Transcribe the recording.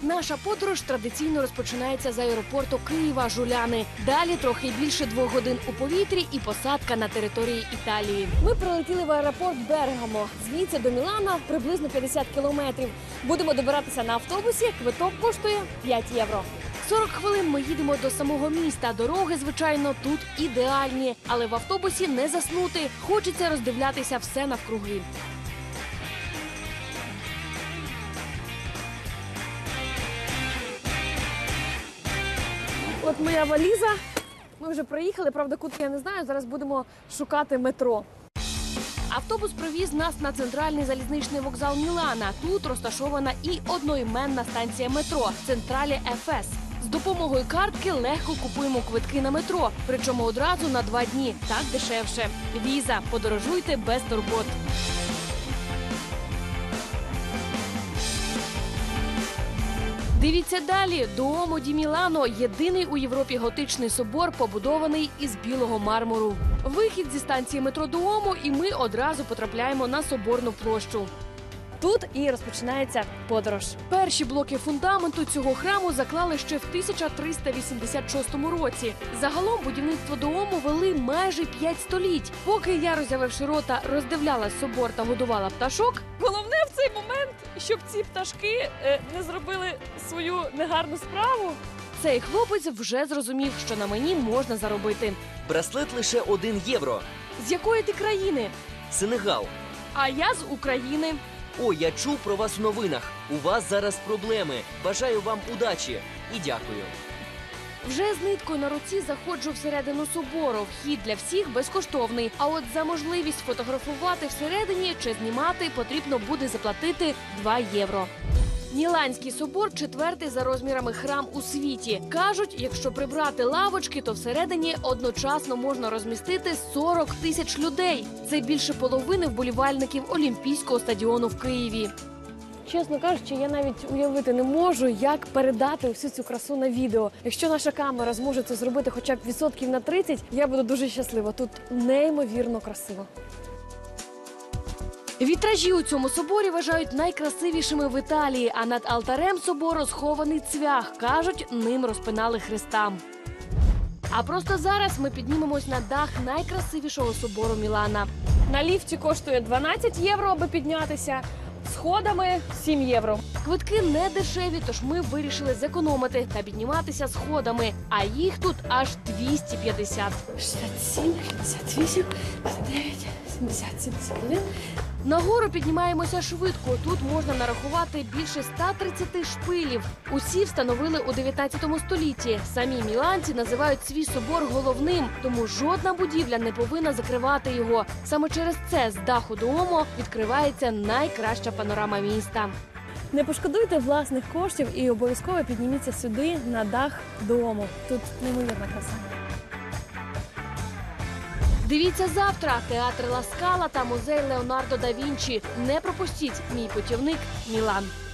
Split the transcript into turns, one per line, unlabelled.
Наша подорож традиційно розпочинається з аеропорту Києва Жуляни. Далі трохи більше 2 годин у повітрі і посадка на території Італії. Ми прилетіли в аеропорт Бергамо. Звідси до Мілана приблизно 50 кілометрів. Будемо добиратися на автобусі. Квиток коштує 5 євро. 40 хвилин ми їдемо до самого міста. Дороги, звичайно, тут ідеальні. Але в автобусі не заснути. Хочеться роздивлятися все навкруги. От моя валіза. Ми вже приїхали, правда, куди я не знаю. Зараз будемо шукати метро. Автобус привіз нас на центральний залізничний вокзал Мілана. Тут розташована і одноіменна станція метро «Централе ФС». З допомогою картки легко купуємо квитки на метро, причому одразу на 2 дні. Так дешевше. Віза. Подорожуйте без турбот. Дивіться далі. Дуомо ді Мілано – єдиний у Європі готичний собор, побудований із білого мармуру. Вихід зі станції метро Дуомо, і ми одразу потрапляємо на Соборну площу. Тут і розпочинається подорож. Перші блоки фундаменту цього храму заклали ще в 1386 році. Загалом будівництво Дуому вели майже 5 століть. Поки я, роззявивши рота, роздивляла собор та годувала пташок, головне в цей момент, щоб ці пташки не зробили свою негарну справу. Цей хлопець вже зрозумів, що на мені можна заробити.
Браслет лише 1 євро.
З якої ти країни?
Сенегал.
А я з України.
О, я чув про вас в новинах. У вас зараз проблеми. Бажаю вам удачі. І дякую.
Вже з ниткою на руці заходжу всередину собору. Вхід для всіх безкоштовний. А от за можливість фотографувати всередині чи знімати потрібно буде заплатити 2 євро. Міланський собор – 4-й за розмірами храм у світі. Кажуть, якщо прибрати лавочки, то всередині одночасно можна розмістити 40 тисяч людей. Це більше половини вболівальників Олімпійського стадіону в Києві. Чесно кажучи, я навіть уявити не можу, як передати всю цю красу на відео. Якщо наша камера зможе це зробити хоча б відсотків на 30, я буду дуже щаслива. Тут неймовірно красиво. Вітражі у цьому соборі вважають найкрасивішими в Італії, а над алтарем собору схований цвях. Кажуть, ним розпинали Христа. А просто зараз ми піднімемось на дах найкрасивішого собору Мілана. На ліфті коштує 12 євро, аби піднятися. Сходами 7 євро. Квитки не дешеві, тож ми вирішили зекономити та підніматися сходами. А їх тут аж 250. 67, 68, 59, 70, 71. Нагору піднімаємося швидко. Тут можна нарахувати більше 130 шпилів. Усі встановили у 19 столітті. Самі міланці називають свій собор головним, тому жодна будівля не повинна закривати його. Саме через це з даху Дуомо відкривається найкраща панорама міста. Не пошкодуйте власних коштів і обов'язково підніміться сюди, на дах Дуомо. Тут неймовірна краса. Дивіться завтра. Театр Ла Скала та музей Леонардо да Вінчі. Не пропустіть. Мій путівник Мілан.